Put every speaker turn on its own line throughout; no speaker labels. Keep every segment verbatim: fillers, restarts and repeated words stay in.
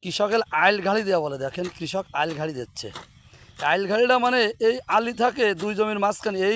কৃষকের আইল ঘাড়ি দেওয়া বলে। দেখেন কৃষক আইল ঘাড়ি দিচ্ছে। আইল ঘাড়িটা মানে এই আলি থাকে দুই জমির মাঝখানে, এই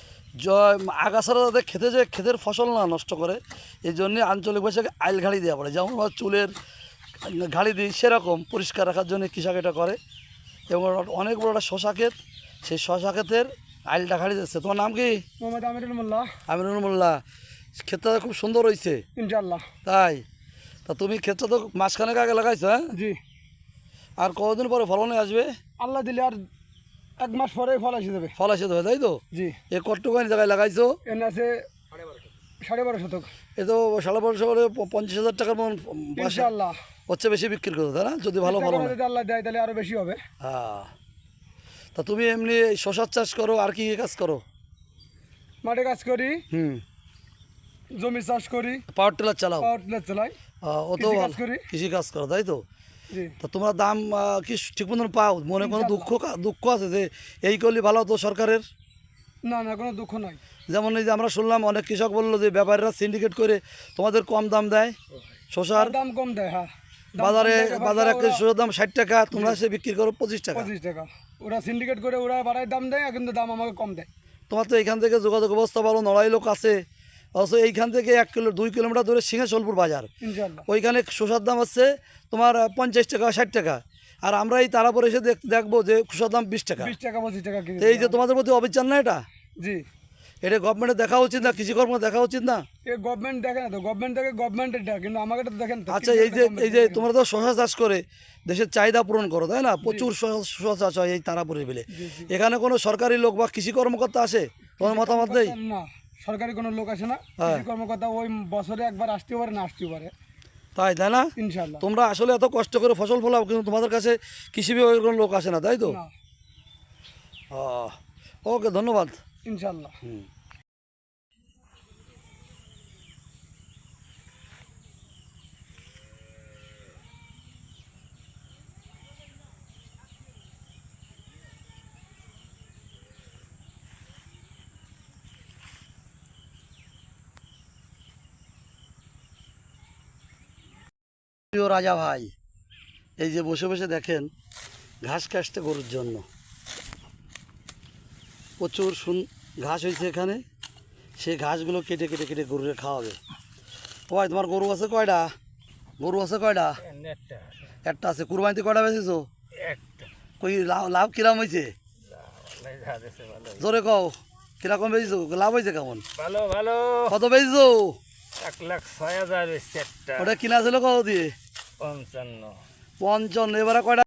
আগাছারা যাতে খেতে যে ক্ষেতের ফসল না নষ্ট করে, এই জন্যে আঞ্চলিক ভাষাকে আইল ঘাড়ি দেওয়া বলে। যেমন আমরা চুলের ঘাড়ি দিই, সেরকম পরিষ্কার রাখার জন্য কৃষক এটা করে। এবং অনেক বড় একটা শশা ক্ষেত, সেই শশা ক্ষেতের আইলটা ঘাড়ি দিচ্ছে। তোমার নাম কি?
মোহাম্মদ আমিরুল মোল্লা।
আমিরুল মোল্লা। ক্ষেতটা খুব সুন্দর হয়েছে
ইনশাআল্লাহ।
তাই? তা তুমি ক্ষেতটা তো মাসখানেক আগে লাগাইছো? হ্যাঁ
জি।
আর কতদিন পরে ফলনে আসবে?
আল্লাহ দিলে আর এক মাস পরে ফল এসে যাবে।
ফল এসে দেবে, তাই তো?
জি।
এ কতটুকানি জায়গায় লাগাইছো?
এনে আছে সাড়ে বারো শতক।
এ তো সাড়ে বারোশো করে পঞ্চাশ হাজার টাকার মন
ইনশাআল্লাহ।
হচ্ছে, বেশি বিক্রি করো তাই না? যদি ভালো ফলন হয়।
যদি আল্লাহ দেয় তাহলে আরো বেশি হবে।
হ্যাঁ। তা তুমি এমনি শশার চাষ করো, আর কি কাজ করো?
মাঠে কাজ করি,
হুম,
জমি চাষ করি,
পাওয়ার টিলার চালাও?
পাওয়ার টিলার চালাই,
ও তো
কৃষি কাজ করি।
কৃষি কাজ করো, তাই তো?
জি।
তা তোমরা দাম আহ, কি ঠিক মতন পাও? মনে কোনো দুঃখ কা- দুঃখ আছে যে এই করলে ভালো হতো সরকারের?
না না, কোনো দুঃখ নাই।
যেমন এই যে আমরা শুনলাম অনেক কৃষক বললো যে ব্যাপারীরা সিন্ডিকেট করে তোমাদের কম দাম দেয় শশার।
দাম কম দেয়, হ্যাঁ। দাম
বাজারে
কম দেয়,
বাজারে একটা
ওরা
শসার দাম ষাট টাকা, তোমরা সে বিক্রি করো পঁচিশ টাকা।
পঁচিশ টাকা। ওরা সিন্ডিকেট করে ওরা বাড়ায় দাম দেয়, কিন্তু দাম আমাকে কম দেয়।
তোমার তো এইখান থেকে যোগাযোগ ব্যবস্থা ভালো, নড়াই লোক আছে। অথচ এইখান থেকে এক কিলো দুই কিলোমিটার দূরে সিংহেশ্বরপুর বাজার,
ইনশাআল্লাহ।
ওইখানে শসার দাম হচ্ছে তোমার পঞ্চাশ টাকা ষাট টাকা। আর আমরা এই তারাপুরে এসে দেখ দেখবো যে শসার দাম বিশ টাকা।
বিশ টাকা পঁচিশ টাকা কেজি।
তো এই যে তোমাদের প্রতি অবিচার না এটা?
জি।
এটা গভর্নমেন্টের দেখা উচিত না? কৃষি কর্ম দেখা উচিত না?
এ গভর্নমেন্ট দেখে না তো, গভর্নমেন্ট দেখে গভর্নমেন্টের ডাক, কিন্তু আমাকে তো দেখেন তো।
আচ্ছা, এই যে এই যে তোমরা তো শশা চাষ করে দেশের চাহিদা পূরণ করো, তাই না? প্রচুর শশা শশা চাষ হয় এই তারাপুরের বিলে। এখানে কোনো সরকারি লোক বা কৃষি কর্মকর্তা আসে তোমার মতামত দেই?
না, সরকারি কোনো লোক আসে না।
হ্যাঁ।
কৃষি কর্মকর্তা ওই বছরে একবার আসতেও পারে, না আসতেও পারে।
তাই তাই না?
ইনশাআল্লাহ।
তোমরা আসলে এত কষ্ট করে ফসল ফলাও, কিন্তু তোমাদের কাছে কৃষি বিভাগের কোনো লোক আসে না, তাই তো?
না।
ওকে, ধন্যবাদ।
ইনশাআল্লাহ।
হুম। প্রিয় রাজা ভাই, এই যে বসে বসে দেখেন ঘাস কাটতে গরুর জন্য প্রচুর সুন ঘাস হয়েছে এখানে। সেই ঘাসগুলো কেটে কেটে কেটে গরুরে খাওয়াবে। ভাই, তোমার গরু আছে কয়টা? গরু আছে কয়টা? একটা আছে। কুরবানিতে কয়টা বেচেছো? কই লাভ লাভ কিরম হয়েছে? জোরে কও, কিরকম বেচেছো? লাভ হয়েছে কেমন?
ভালো ভালো।
কত বেচেছো?
এক লাখ ছয় হাজার।
ওটা কিনা ছিল কত দিয়ে?
পঞ্চান্ন।
পঞ্চান্ন। এবারে কয়টা?